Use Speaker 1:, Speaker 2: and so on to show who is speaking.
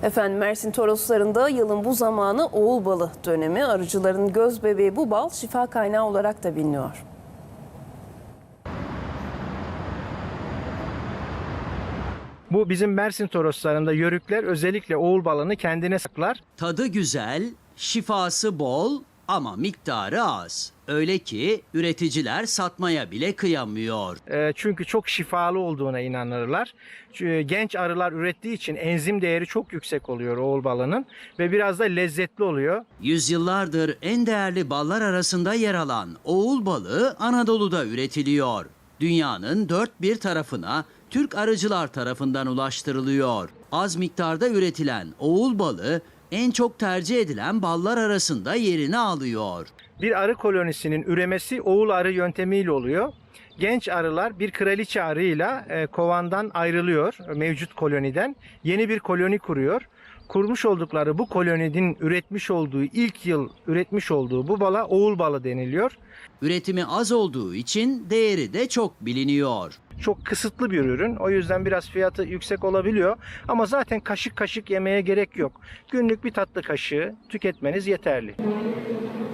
Speaker 1: Efendim Mersin Torosları'nda yılın bu zamanı oğul balı dönemi. Arıcıların göz bebeği bu bal şifa kaynağı olarak da biliniyor.
Speaker 2: Bu bizim Mersin Torosları'nda yörükler özellikle oğul balını kendine saklar.
Speaker 3: Tadı güzel, şifası bol ama miktarı az. Öyle ki üreticiler satmaya bile kıyamıyor.
Speaker 2: Çünkü çok şifalı olduğuna inanırlar. Genç arılar ürettiği için enzim değeri çok yüksek oluyor oğul balının ve biraz da lezzetli oluyor.
Speaker 3: Yüzyıllardır en değerli ballar arasında yer alan oğul balı Anadolu'da üretiliyor. Dünyanın dört bir tarafına Türk arıcılar tarafından ulaştırılıyor. Az miktarda üretilen oğul balı en çok tercih edilen ballar arasında yerini alıyor.
Speaker 2: Bir arı kolonisinin üremesi oğul arı yöntemiyle oluyor. Genç arılar bir kraliçe arıyla kovandan ayrılıyor, mevcut koloniden. Yeni bir koloni kuruyor. Kurmuş oldukları bu koloninin ilk yıl üretmiş olduğu bu bala oğul balı deniliyor.
Speaker 3: Üretimi az olduğu için değeri de çok biliniyor.
Speaker 2: Çok kısıtlı bir ürün. O yüzden biraz fiyatı yüksek olabiliyor. Ama zaten kaşık kaşık yemeye gerek yok. Günlük bir tatlı kaşığı tüketmeniz yeterli.